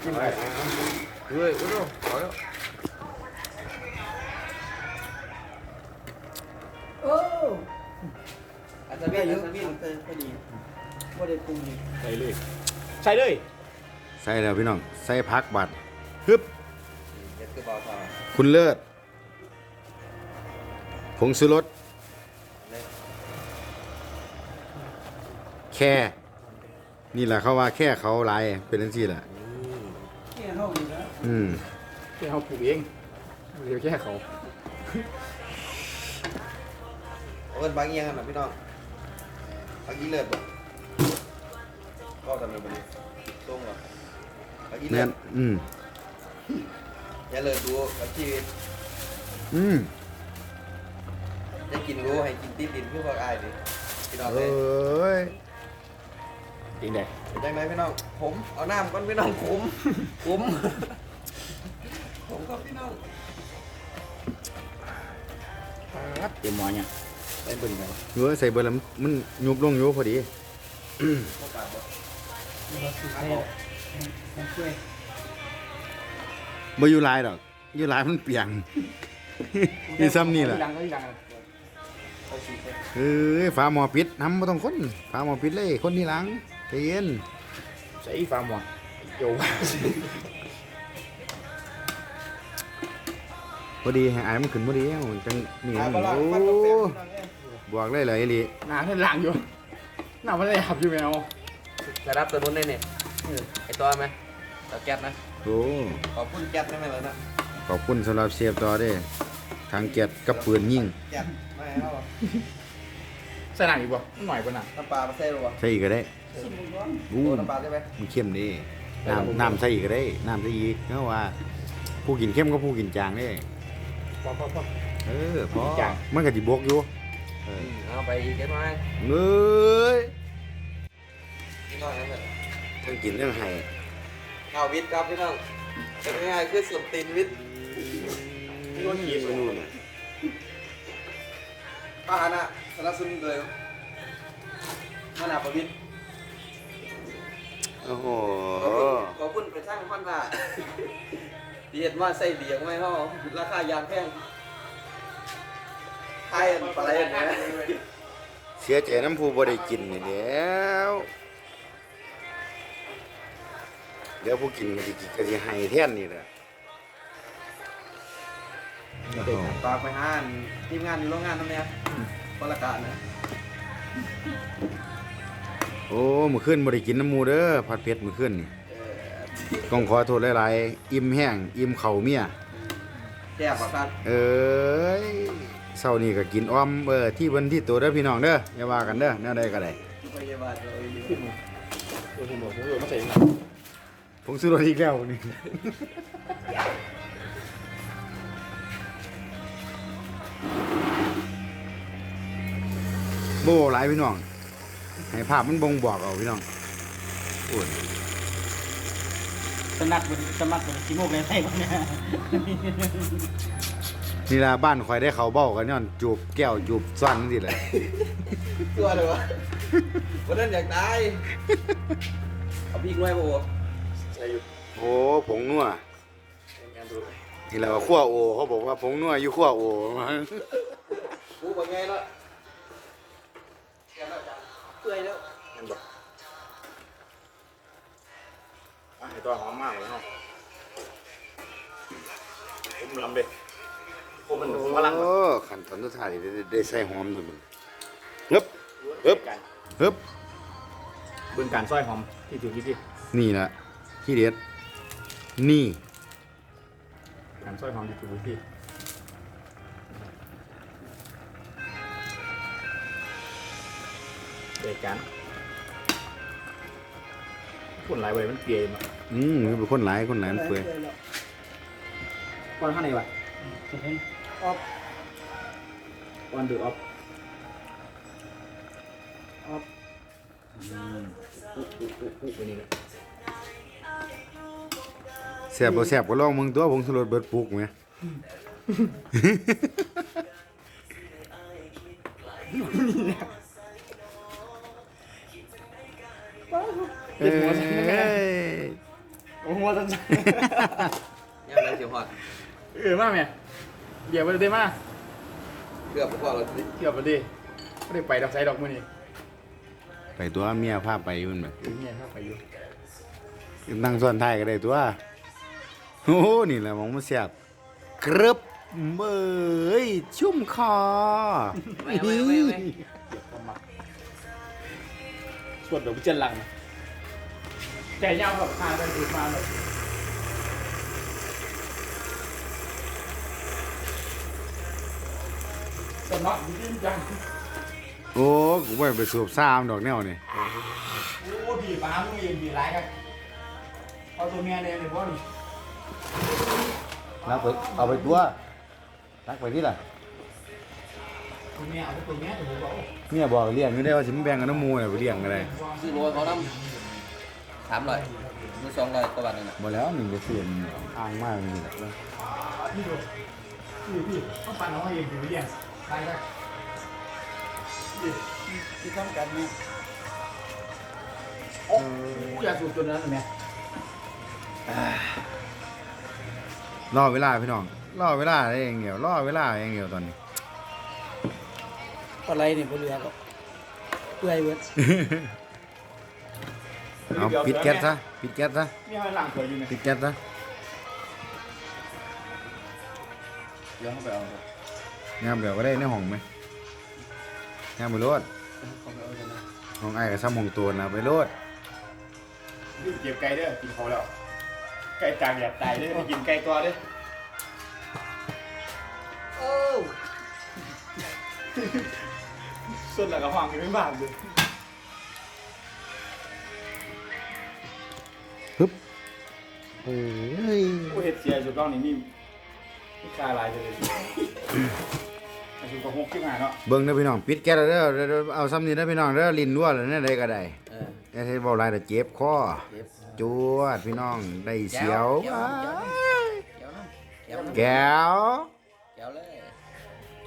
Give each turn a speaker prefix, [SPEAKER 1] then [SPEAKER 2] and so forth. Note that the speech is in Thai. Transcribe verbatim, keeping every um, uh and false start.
[SPEAKER 1] กินไปเฮ้ยอุ้ยดูขอแล้ว
[SPEAKER 2] โอ้อันนี้อันนี้มันพอดีว่าได้ปรุงนี่
[SPEAKER 1] ใส่เลยใส่เลย
[SPEAKER 3] ใส่แล้วพี่น้องใส่พักบัดฮึบ
[SPEAKER 2] เด็ดคือเบาทอง
[SPEAKER 3] คุณเลิศผงชูรสแค่นี่แหละเขาว่าแค่เขาลายเป็นทั้งที่แหละ
[SPEAKER 2] แค่ห้องนี้นะ
[SPEAKER 3] อืม
[SPEAKER 1] แค่เขาปลูกเองเดี๋ยวแค่เขา
[SPEAKER 2] เอาเงินบางเงี้ยกันนะพี่น้องบางยี่เลิศบ่ก็ทำเป็นบริตรงหรอบางยี่เลิ
[SPEAKER 3] แน่
[SPEAKER 2] ศ
[SPEAKER 3] นอืม
[SPEAKER 2] อย่าเลิศดูกับชีวิต
[SPEAKER 3] อืม
[SPEAKER 2] จะกินรู้ให้กินติดดินเพื่อพวกอายดิพี่น้อง
[SPEAKER 3] เอ
[SPEAKER 2] เลย้
[SPEAKER 3] ย
[SPEAKER 1] จริงเด็ก
[SPEAKER 2] เป็นจังไหนพี่น้องผมเอาน้ำก่อนพี่น้องผมผมผมครับพี่น้อง
[SPEAKER 1] เต็มหมอเนี่ยได้เบิ่งไหม
[SPEAKER 3] เนื้อใส่เบอร์แล้วมันยุบลงอยู่พอดี
[SPEAKER 2] โอกาสบ่
[SPEAKER 3] บ่อยู่หลายดอกอยู่หลายมันเปียง นี่ซ้ำนี่แหละ
[SPEAKER 1] ดังก็ดัง
[SPEAKER 2] เอาสีไป
[SPEAKER 3] เอ้ยฝาหม้อปิดทำบ่ต้องคนฝาหม้อปิดเลยคนที่หลังใจเย็น
[SPEAKER 1] ใส่ฟาร์มหมอโย
[SPEAKER 3] พอดีให้อายมันขึ้นพอดีเอาจังนี่
[SPEAKER 2] อ่า
[SPEAKER 3] มัน
[SPEAKER 2] ปลา
[SPEAKER 3] โอ้
[SPEAKER 2] ฟันกับแป้งพี่น้องเอ้ย
[SPEAKER 3] บวกเลยเลยอีหลี
[SPEAKER 1] หนาเส้นหลังอยู่หนามันเลยหับอยู่แมว
[SPEAKER 2] จะรับตัวนู้นได้เนี่ยไอตัวไหมตัวแก๊สนะ
[SPEAKER 3] โอ้
[SPEAKER 2] ขอบคุณแก๊สได้ไหมล่ะนะ
[SPEAKER 3] ขอบคุณสำหรับเชฟต่อเด้ทางเกียรติกับปืนยิง
[SPEAKER 2] แก๊สไม่เอา
[SPEAKER 1] ใส่หนังอีกบ่หน่อยกว่าหนัง
[SPEAKER 2] น้ำปลามาใส่หรือเปล่า
[SPEAKER 3] ใส่อีกก็ได้
[SPEAKER 2] โอ้
[SPEAKER 3] อู้
[SPEAKER 2] น้ำปลาใช่ไหม
[SPEAKER 3] มันเข้มดีน้ำน้ำใส่อีกก็ได้น้ำใส่อีกเพราะว่า ผู้กินเข้มก็ผู้กินจางเด้
[SPEAKER 1] พอพอพอ
[SPEAKER 3] เออพอ
[SPEAKER 1] จาง
[SPEAKER 3] มันก็สิบวกอยู่เออ
[SPEAKER 2] เอาไปอีกเล็กน้อย
[SPEAKER 3] เอ้ย
[SPEAKER 2] นิดหน่อยนั่นแหละ
[SPEAKER 3] ทั้งกินทั้งให้
[SPEAKER 2] ข้าววิทย์ครับพี่น้องเป็นง่ายๆคือส่วนตีนวิทย์
[SPEAKER 1] นี่ว่ากี่สูง
[SPEAKER 3] นู่นน่ะ
[SPEAKER 2] ป้าฮานะสารสุนเลยขนาดประวิทย์
[SPEAKER 3] โอ้โห
[SPEAKER 2] ขอบคุณไปสร้างพันธะที่เห็นว่าใส่เบียงไม่ห้อราคายางแพงไทยปลาไหลเนี่ย
[SPEAKER 3] เสียใจน้ำผู้บ่ได้กินนี่แหล้วเดี๋ยวผู้กินก็สิก็สิให้แทนนี่แหละโอ้โห
[SPEAKER 2] ฝากไปห้านทีมงานอยู่โรงงานนั่นเนี่ยคนละกาศนะ
[SPEAKER 3] โอ้มื้อคืนบ่ได้กินน้ำหมูเด้อผัดเผ็ดมื้อคืนนี่
[SPEAKER 2] เออ
[SPEAKER 3] ต้องขอโทษหลายๆอิ่มแห้งอิ่มข้าวเมีย
[SPEAKER 2] แก้ปากกัน
[SPEAKER 3] เอ้ยเช้านี้ก็กินอ้อมเออที่เพิ่นที่ตัวเด้อพี่น้องเด้ออย่าว่ากันเด้อแนวใดก็ได้
[SPEAKER 2] พยาบาลเลย
[SPEAKER 1] ตัวผมบอกผมบอกมาใส่
[SPEAKER 3] ผมซื้อรถอีกแล้วนี่ โบ่หลายพี่น้องให้ภาพมันบ่งบอกเอาพี่น้องโอ้ย
[SPEAKER 4] สนัดบนสมัครบนชิโมกเลยใช่ปะเนี่ย
[SPEAKER 3] นี่ล่ะบ้านข่อยได้เขาเบ้ากันย้อนจูบแก้วจูบซ้อนนี่แหละ
[SPEAKER 2] ตัวเลยวะวันนั้นอยากตายเอาพี่ง่วยโบ
[SPEAKER 1] ใส่อยู่
[SPEAKER 3] โอ้ผงนัว
[SPEAKER 1] งานดู
[SPEAKER 3] นี่แหละว่าขั้วโอเขาบอกว่าผงนัวอยู่ขั้วโอ
[SPEAKER 2] กูบอกไงละแกแล้วจ้ะเปื่อยแล้ว
[SPEAKER 1] งานบอกอ่ะไอตัวหอมมากเลยเนาะผมลำเด็กผมมันพลัง
[SPEAKER 3] โอ้ขั้นตอนสุดท้ายได้ได้ใส่หอมด้วยมันฮึบฮึบ
[SPEAKER 1] กัน
[SPEAKER 3] ฮึบ
[SPEAKER 1] เบื้องการซอยหอมที่ถือที่ที่
[SPEAKER 3] นี่แหละที่เด็ดนี่
[SPEAKER 1] การซอยหอมที่ถือที่เด็กกันคนหลายใบมันเปียมา
[SPEAKER 3] อืมมันเป็นคนหลายคนหลายมันเปื่อย
[SPEAKER 1] วันข้างในวะ
[SPEAKER 2] ออฟ
[SPEAKER 1] วันดูออฟ
[SPEAKER 2] ออฟ
[SPEAKER 1] วันนี้นะ
[SPEAKER 3] แซ่บบ่แซ่บก็ลองมึงตัวผงชูรสเบิดปลูกไหม เอ้ย
[SPEAKER 1] โอ้โหว่าสั้น
[SPEAKER 2] ยังไงเสียพอด
[SPEAKER 1] ๆเออมาแม่เดี๋ยวไปเลยมา
[SPEAKER 2] เกือบพอเราสิ
[SPEAKER 1] เกี่ยวไปดิไม่ได้ไปดอกไซดอกมือนี่
[SPEAKER 3] ไปตัวเมียพาไปอยู่มันแบบ
[SPEAKER 1] เออเนี่ยครับไปอยู่
[SPEAKER 3] นั่งส่วนท้ายก็ได้ตัวโอ้โหนี่แหละมองมันเสียบกรึบเบ้ยชุ่มคอ
[SPEAKER 2] ไม่ไม่ไม่ไม่
[SPEAKER 1] เดี๋ยวเข้ามาส่วนเดี๋ยวพิจารณาใจยาวแบบพาไปดูมาเลยสมัครจริงจัง
[SPEAKER 3] โอ้กูไปไปสูบซ้ำดอกแนวนี่
[SPEAKER 1] โอ้ผีปลามึงเองผีร้ายกันเอาตัวเมียเนี่ยเลยพวกนี้
[SPEAKER 3] รักไปเอาไปตัวรักไปที่ล่ะ
[SPEAKER 1] ตัวเมียเอาตัวเมียตัวบอก
[SPEAKER 3] เมียบอกเลี้ยงอยู่ได้ว่าสิมนแบ่งกันน้ำมูเนี่ยไปเลี้ยงกันเลย
[SPEAKER 2] ซื้อโลเขาน้ำสามร้อยซื้อสองร้อยกว่าบาทนึงนะ
[SPEAKER 3] บ่แล้วหนึ่งจะเสียนอ้างมากนี่แหละ
[SPEAKER 1] นี่ดูพี่พี่ต้องปั่นเอาเองผีเลี้ยงตายได้ที่ต้องการเนี่ยโอ้ยาสูบตัวนั้นไหม
[SPEAKER 3] รอเวลาพี่น้องรอเวลาได้เองเดียวรอเวลาเองเดียวตอนนี้
[SPEAKER 4] อะไรเนี่ยบ่เหลือก็เปื่อยเบิด
[SPEAKER 3] เอาปิดแก๊สซะปิดแก๊สซะ
[SPEAKER 1] นี่ให้หลังเคยอยู่ไหม
[SPEAKER 3] ปิดแก๊สซะ
[SPEAKER 2] เดี๋ยวเขาไปเอา
[SPEAKER 3] งามเดี๋ยวก็ได้ในห้องไหมงามไปโลด
[SPEAKER 2] เขาไปเอากันนะ
[SPEAKER 3] ห้องไอ้กับซ้ำห้องตัวนะไปโลด
[SPEAKER 1] นี่เก็บไก่เด้อกินเขาแล้วไก่ตากแดดตายเด้อไปกินไก่ตัวเด้อ
[SPEAKER 2] โอ้
[SPEAKER 1] ส่วนหลังกระหว่างกินไม่บ้างเลย
[SPEAKER 3] ฮึบโอ้ย
[SPEAKER 1] ผู้เห็ดเสียจุดต้องนี่มีมีคาลายเลยไอ้จุดกระหกขึ้นมาเนาะ
[SPEAKER 3] เบิ่งเด้อพี่น้องปิดแก๊สแล้วเด้อเด้อเอาซ้ำนี่เด้อพี่น้องเด้อลิ้นรั่วแล้วเนี่ยใดก็ได้
[SPEAKER 2] เออ
[SPEAKER 3] อย่าให้เว้าหลายแต่เจ็บคอ
[SPEAKER 2] เจ็บ
[SPEAKER 3] จวดพี่น้องได้เสียว
[SPEAKER 2] แก้วน้ำแก้วน้ำ
[SPEAKER 3] แก้ว
[SPEAKER 2] แก้วเลย